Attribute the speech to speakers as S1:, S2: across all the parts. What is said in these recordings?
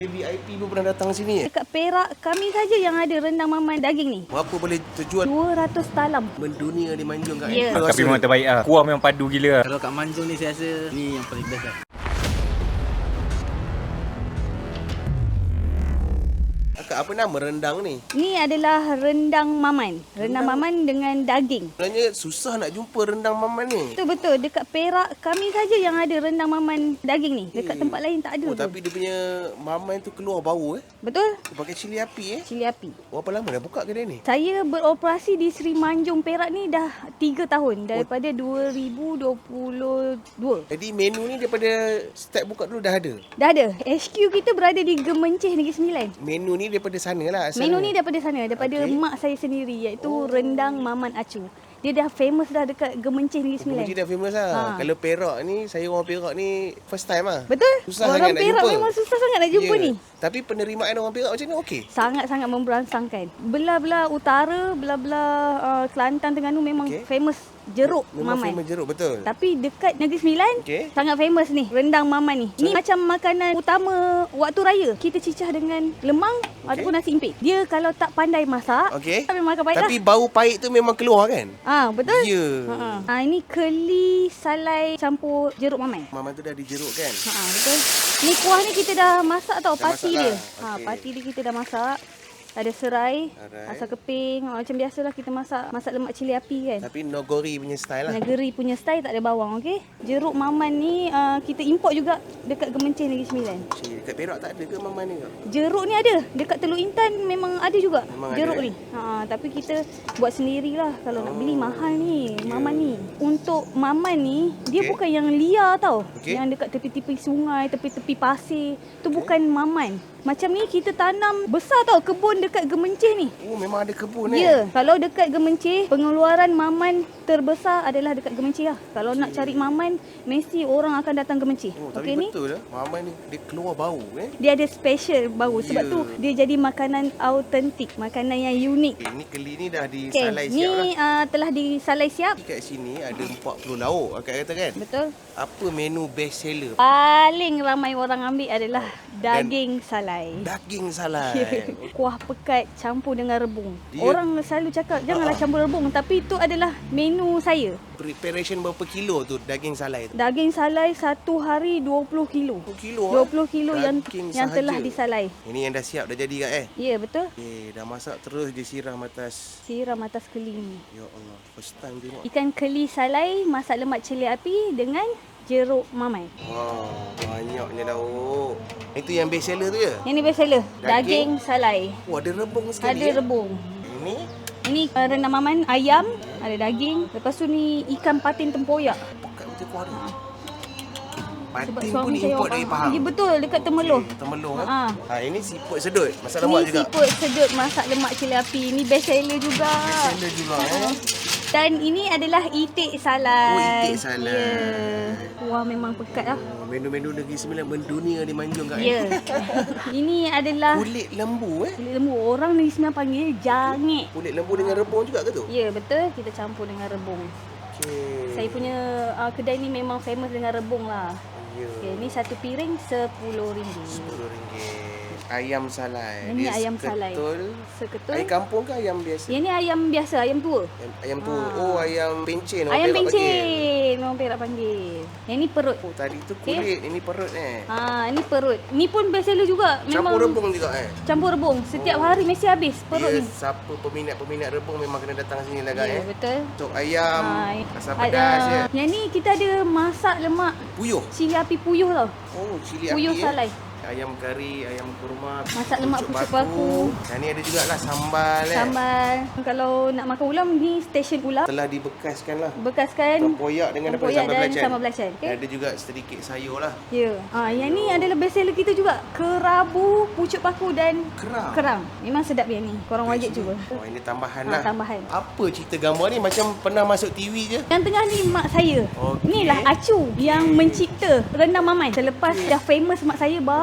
S1: VIP pun pernah datang sini.
S2: Dekat Perak, kami saja yang ada rendang maman daging ni.
S1: Berapa boleh terjual?
S2: 200 talam.
S1: Mendunia di Manjung kat
S2: Ya.
S3: Tapi memang terbaik lah. Kuah memang padu gila.
S4: Kalau kat Manjung ni saya rasa ni yang paling best lah.
S1: Akak, apa nama rendang ni?
S2: Ni adalah rendang maman. Rendang maman dengan daging.
S1: Sebenarnya susah nak jumpa rendang maman ni.
S2: Betul-betul. Dekat Perak, kami saja yang ada rendang maman daging ni. Dekat tempat lain tak ada.
S1: Oh, tapi dia punya maman tu keluar bau
S2: Betul?
S1: Dia pakai cili api
S2: Cili api.
S1: Berapa lama dah buka kedai ni?
S2: Saya beroperasi di Sri Manjung Perak ni dah 3 tahun. Daripada 2022.
S1: Jadi menu ni daripada start buka dulu dah ada?
S2: Dah ada. HQ kita berada di Gemencih Negeri Sembilan.
S1: Menu ni daripada sana lah asalnya.
S2: Menu ni daripada sana, daripada mak saya sendiri, iaitu rendang Maman Acu. Dia dah famous dah dekat Gemencih Negeri Sembilan.
S1: Gemencih dah famous lah.
S2: Ha.
S1: Kalau Perak ni, saya orang Perak ni first time lah.
S2: Betul?
S1: Susah
S2: Orang
S1: sangat nak
S2: Perak
S1: jumpa.
S2: memang susah sangat nak jumpa
S1: Ya.
S2: ni.
S1: Tapi penerimaan orang Perak macam ni okey?
S2: Sangat-sangat memberangsangkan. Belah-belah utara, belah-belah Kelantan, Terengganu memang
S1: Okey.
S2: famous jeruk
S1: Memang
S2: maman.
S1: famous jeruk, betul.
S2: Tapi dekat Negeri Sembilan,
S1: Okey.
S2: sangat famous ni, rendang maman ni. Ni macam makanan utama waktu raya. Kita cicah dengan lemang ataupun nasi impit. Dia kalau tak pandai masak,
S1: Okey.
S2: memang akan pahit
S1: Tapi bau pahit tu memang keluar kan?
S2: lah. Betul?
S1: Ya.
S2: Ini keli salai campur jeruk maman.
S1: Maman tu dah dijeruk kan?
S2: Betul. Ni kuah ni kita dah masak tau,
S1: Dah
S2: pati
S1: masak
S2: dia.
S1: lah. Okey.
S2: Pati dia kita dah masak. Ada serai,
S1: Alright.
S2: asam keping, macam biasalah kita masak lemak cili api kan.
S1: Tapi Nogori punya style lah.
S2: Negeri punya style, tak ada bawang, okey. Jeruk maman ni kita import juga dekat Gemencih Negeri Sembilan.
S1: Cik, dekat Perak tak ada ke maman ni?
S2: Jeruk ni ada, dekat Teluk Intan memang ada juga
S1: Memang
S2: jeruk
S1: ada,
S2: ni. Tapi kita buat sendirilah, kalau nak beli mahal ni, maman ni. Untuk maman ni, dia
S1: Okey.
S2: bukan yang liar tau.
S1: Okey.
S2: Yang dekat tepi-tepi sungai, tepi-tepi pasir. Tu bukan maman. Macam ni kita tanam besar tau kebun dekat Gemencih ni.
S1: Oh, memang ada kebun
S2: Ya, kalau dekat Gemencih, pengeluaran maman terbesar adalah dekat Gemencih lah. Kalau nak cari maman, mesti orang akan datang Gemencih.
S1: Oh,
S2: Okey
S1: tapi
S2: ni?
S1: betul lah. Maman ni dia keluar bau
S2: Dia ada special bau. Sebab
S1: Ya.
S2: tu dia jadi makanan autentik, makanan yang unik.
S1: Ini keli ni dah
S2: Okey,
S1: disalai
S2: ni
S1: siap lah.
S2: telah disalai siap.
S1: Kat sini ada 40 lauk akak kata kan?
S2: Betul.
S1: Apa menu best seller?
S2: Paling ramai orang ambil adalah daging salai.
S1: Daging salai.
S2: Kuah pekat campur dengan rebung.
S1: Dia-
S2: Orang selalu cakap janganlah campur rebung, tapi itu adalah menu saya.
S1: Preparation berapa kilo tu daging salai tu?
S2: Daging salai satu hari 20 kilo.
S1: 20 kilo
S2: 20 kilo yang
S1: Daging
S2: telah
S1: sahaja.
S2: disalai.
S1: Ini yang dah siap dah jadi kat
S2: Ya, betul.
S1: dah masak terus disiram atas.
S2: Siram atas keli ni.
S1: Ya Allah, first time tengok.
S2: Ikan keli salai masak lemak cili api dengan jeruk maman.
S1: Wow, banyaknya lauk. Itu yang best seller tu ya?
S2: Yang ni best seller.
S1: Daging?
S2: Daging salai.
S1: Oh, ada rebung sekali.
S2: Ada rebung.
S1: Ini
S2: Ini rendang maman, ayam, ada daging. Lepas tu ni ikan patin tempoyak.
S1: pekat macam kuah dia.
S2: Sebab
S1: Patin pun
S2: suami saya
S1: import
S2: orang
S1: dari
S2: Pahang.
S1: Pahang.
S2: Ya, betul, dekat Temerloh.
S1: Temelung
S2: Ha.
S1: Ini siput sedut. Masak
S2: Ni
S1: lemak juga.
S2: siput sedut masak lemak cili api. Ni best seller juga.
S1: Best seller juga
S2: Dan ini adalah itik salai.
S1: Oh, itik salai.
S2: Ya. Wah, memang pekat lah.
S1: Oh, menu-menu Negeri Sembilan mendunia di Manjung kat.
S2: Ya. Ini adalah
S1: Kulit lembu
S2: kulit lembu. Orang Negeri Sembilan panggil jangit.
S1: Kulit lembu dengan rebung juga ke tu?
S2: Ya, betul. Kita campur dengan rebung.
S1: Okey.
S2: Saya punya kedai ni memang famous dengan rebung lah.
S1: Ya.
S2: Okay, ni satu piring RM10.
S1: RM10. Ayam salai.
S2: Ini
S1: Dia
S2: ayam salai.
S1: Seketul.
S2: Seketul.
S1: Ayam kampung ke ayam biasa?
S2: Yang ni ayam biasa, ayam tua.
S1: Ayam tu. Oh, ayam pencen. orang
S2: Ayam
S1: Perak panggil.
S2: pencen. Orang Perak panggil. Yang ni perut.
S1: Oh, tadi tu kulit, ini perut
S2: Ini perut. Ni pun best seller juga.
S1: Campur rebung juga
S2: Campur rebung. Setiap hari mesti habis perut
S1: Dia
S2: ni.
S1: siapa peminat-peminat rebung memang kena datang sini lah
S2: Ya, betul.
S1: Untuk ayam, asam
S2: ada-
S1: pedas ya.
S2: Yang ni kita ada masak lemak
S1: Puyuh.
S2: cili api puyuh tau.
S1: Oh, cili
S2: Puyuh
S1: api
S2: salai.
S1: Ayam kari, ayam kurma,
S2: Masak lemak pucuk paku.
S1: Dan ni ada jugalah sambal
S2: Sambal. Kalau nak makan ulam, ni stesen ulam.
S1: Telah dibekaskan lah.
S2: Bekaskan
S1: Tempoyak dengan apa,
S2: tempoyak
S1: sambal
S2: dan
S1: belacan.
S2: sambal belacan.
S1: Dan
S2: Okay?
S1: ada juga sedikit sayur lah.
S2: Ya. Yang ni adalah best seller kita juga. Kerabu, pucuk paku dan
S1: Kerang.
S2: kerang. Memang sedap yang ni. Korang wajib cuba.
S1: Oh, ini tambahan lah.
S2: Tambahan.
S1: Apa cerita gambar ni? Macam pernah masuk TV je.
S2: Yang tengah ni mak saya.
S1: Okey.
S2: Inilah Acu yang mencipta rendang maman. Selepas dah famous mak saya, baru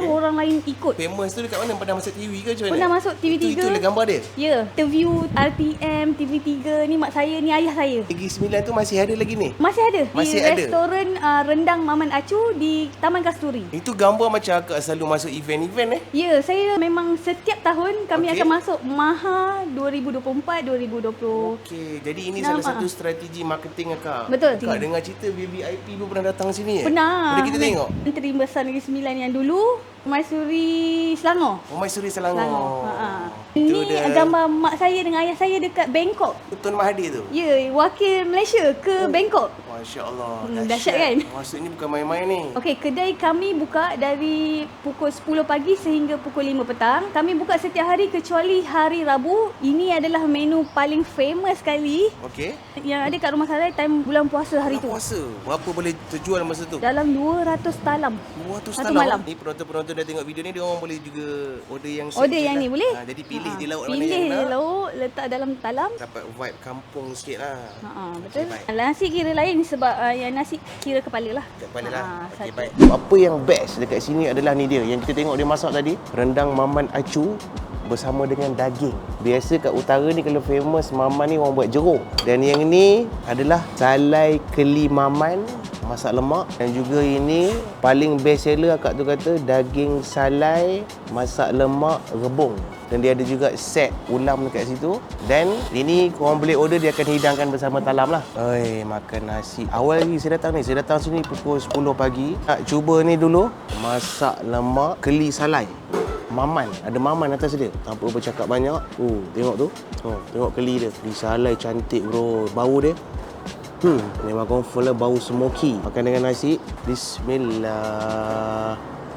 S2: baru orang lain ikut.
S1: Famous tu dekat mana? Pernah masuk TV ke macam mana?
S2: Pernah masuk TV3.
S1: Itulah gambar dia?
S2: Ya, interview RTM, TV3 ni mak saya, ni ayah saya.
S1: Negeri Sembilan tu masih ada lagi ni?
S2: Masih ada.
S1: Masih
S2: di
S1: ada?
S2: restoran rendang Maman Acu di Taman Kasturi.
S1: Itu gambar macam akak selalu masuk event-event
S2: Ya, saya memang setiap tahun kami
S1: Okey.
S2: akan masuk MAHA 2024-2020.
S1: Okey, jadi ini salah satu strategi marketing akak.
S2: Betul.
S1: Akak dengar cerita VVIP pun pernah datang sini
S2: Pernah.
S1: Boleh kita tengok?
S2: Menteri Besar Negeri Sembilan yang dulu, Maisuri Selangor.
S1: Oh, Maisuri Selangor.
S2: Ini
S1: Itu dia.
S2: gambar mak saya dengan ayah saya dekat Bangkok.
S1: Tun Mahathir tu?
S2: Ya, wakil Malaysia ke Bangkok.
S1: Masya Allah.
S2: Dahsyat kan?
S1: Maksud ni bukan main-main ni.
S2: Okey, kedai kami buka dari pukul 10 pagi sehingga pukul 5 petang. Kami buka setiap hari kecuali hari Rabu. Ini adalah menu paling famous sekali
S1: Okey.
S2: yang ada kat rumah saya time bulan puasa hari tu.
S1: Puasa. Berapa boleh terjual masa tu?
S2: Dalam 200 talam.
S1: 200
S2: Satu
S1: talam.
S2: malam.
S1: Ni penonton-penonton dah tengok video ni, dia orang boleh juga order yang set
S2: Order
S1: je
S2: yang
S1: lah.
S2: ni boleh?
S1: Jadi pilih je lauk mana
S2: Pilih
S1: yang
S2: je
S1: nak.
S2: lauk, letak dalam talam.
S1: Dapat vibe kampung sikit lah.
S2: Betul.
S1: baik.
S2: Nasi kira lain sebab yang nasi kira kepala lah.
S1: Kepala lah. Okey,
S2: satu.
S1: baik. Apa yang best dekat sini adalah ni dia. Yang kita tengok dia masak tadi, rendang Maman Acu bersama dengan daging. Biasa kat utara ni kalau famous Maman ni orang buat jeruk. Dan yang ni adalah salai keli Maman masak lemak, dan juga ini paling best seller akak tu kata daging salai masak lemak rebung. Dan dia ada juga set ulam dekat situ. Dan ini korang boleh order, dia akan hidangkan bersama talam lah. Oi, makan nasi. Awal lagi saya datang sini pukul 10 pagi. Nak cuba ni dulu, masak lemak keli salai Maman, ada Maman atas dia. Tanpa bercakap banyak. Tengok tu. Tengok keli dia. Keli salai cantik bro. Bau dia. Memang confirm lah bau smoky. Makan dengan nasi. Bismillah.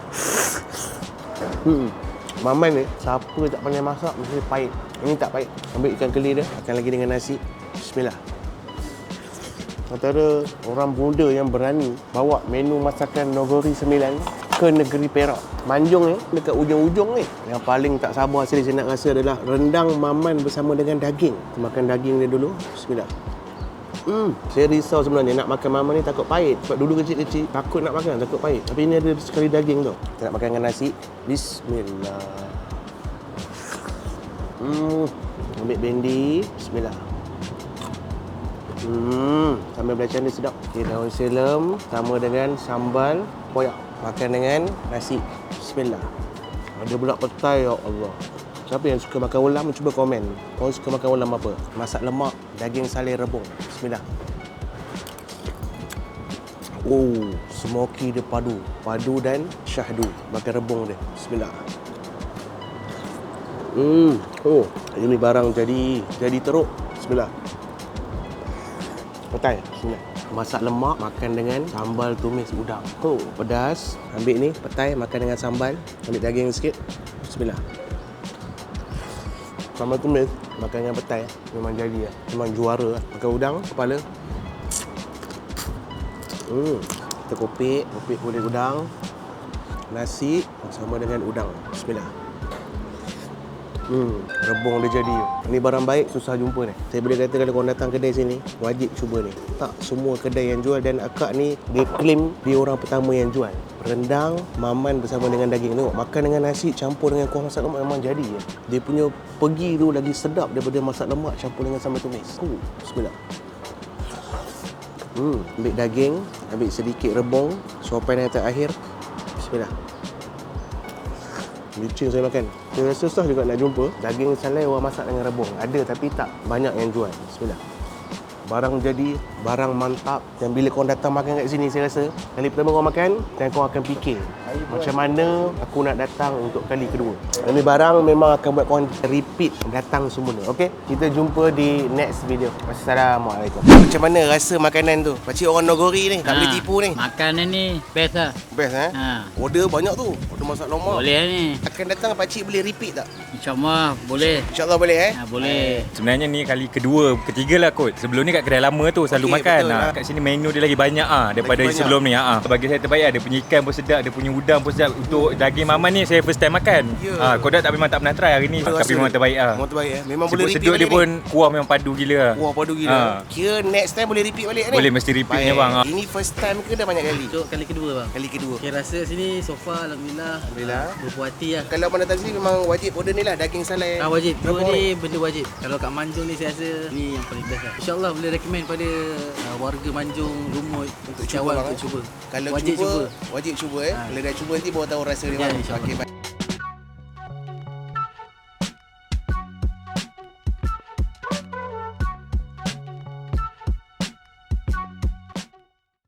S1: Maman ni, siapa tak pandai masak mesti pahit. Ini tak pahit. Ambil ikan keli dia, makan lagi dengan nasi. Bismillah. Antara orang muda yang berani bawa menu masakan Nogori Sembilan ke negeri Perak. Manjung ni, dekat ujung-ujung ni. Yang paling tak sabar sekali saya nak rasa adalah rendang Maman bersama dengan daging. Makan daging dia dulu. Bismillah. Saya risau sebenarnya nak makan Maman ni takut pahit. Sebab dulu kecil-kecil takut nak makan, takut pahit. Tapi ini ada sekali daging tu. Kita nak makan dengan nasi. Bismillah. Ambil bendi. Bismillah. Sambal belacan dia sedap. Okay, daun selam sama dengan sambal koyak. Makan dengan nasi. Bismillah. Ada pula petai, ya Allah. Siapa yang suka makan ulam, cuba komen. Korang suka makan ulam apa? Masak lemak, daging salai rebung. Bismillah. Smoky dia padu. Padu dan syahdu. Makan rebung dia. Bismillah. Ini barang jadi teruk. Bismillah. Petai. Bismillah. Masak lemak, makan dengan sambal tumis udang. Pedas. Ambil ni, petai, makan dengan sambal. Ambil daging sikit. Bismillah. Sambal tumis, makan dengan petai. Memang jadi lah. Memang juara lah. Makan udang, kepala. Kita kopik kulit udang. Nasi sama dengan udang. Bismillah. Rebung dia jadi. Ini barang baik, susah jumpa ni. Saya boleh kata kalau korang datang kedai sini, wajib cuba ni. Tak semua kedai yang jual, dan akak ni dia claim dia orang pertama yang jual. Rendang Maman bersama dengan daging. Tengok, makan dengan nasi campur dengan kuah masak lemak memang jadi ya. Dia punya pergi tu lagi sedap daripada masak lemak campur dengan sambal tumis. Bismillah. Ambil daging, ambil sedikit rebung, suapan yang terakhir. Bismillah. Licin saya makan. Saya rasa susah juga nak jumpa daging salai orang masak dengan rebung. Ada tapi tak banyak yang jual. Bismillah. Barang jadi, barang mantap. Dan bila korang datang makan kat sini, saya rasa kali pertama korang makan, dan korang akan fikir macam mana aku nak datang untuk kali kedua. Ini barang memang akan buat korang repeat datang semula. Okey? Kita jumpa di next video. Wassalamualaikum. Macam mana rasa makanan tu? Pakcik orang Nogori ni, tak boleh tipu ni.
S4: Makanan ni best lah.
S1: Best Order banyak tu. Order masak lemak.
S4: Boleh ni.
S1: Akan datang pakcik boleh repeat tak?
S4: InsyaAllah boleh.
S1: InsyaAllah boleh
S4: Boleh.
S3: Sebenarnya ni kali kedua, ketiga lah kot. Sebelum ni kat kedai lama tu selalu
S1: Okey,
S3: makan.
S1: betul lah.
S3: Kat sini menu dia lagi banyak daripada
S1: Lagi banyak.
S3: sebelum ni. Bagi saya terbaik dia punya ikan pun sedap, dia punya udang pun sedap. Untuk daging maman ni saya first time makan.
S1: Ya.
S3: Kodak tak memang tak pernah try hari ni. Tapi memang terbaik
S1: Memang terbaik Memang boleh repeat
S3: Sedut
S1: balik
S3: dia pun kuah memang padu gila.
S1: Wah, padu gila. Kira next time boleh repeat balik ni?
S3: Boleh, mesti repeat ni,
S1: Baik.
S3: bang.
S1: Ini first time ke dah banyak kali?
S4: Cuk kali kedua bang.
S1: Kali kedua.
S4: Okay, rasa sini so far Alhamdulillah.
S1: Alhamdulillah.
S4: Berpuas hati lah.
S1: Kalau mana datang sini memang wajib order ni lah, daging salai.
S4: Wajib.
S1: Berapa
S4: Dua
S1: orang?
S4: ni benda wajib. Kalau kat Manjung ni saya rasa ni yang paling best lah. InsyaAllah boleh recommend pada warga Manjung, Lumut
S1: Untuk cuba,
S4: Syawal
S1: bang,
S4: untuk cuba.
S1: Kalau
S4: Wajib
S1: cuba, wajib cuba Kalau dah cuba nanti baru tahu rasa dia.
S4: Ya,
S1: bang.
S4: insyaAllah.
S1: Okey, baik.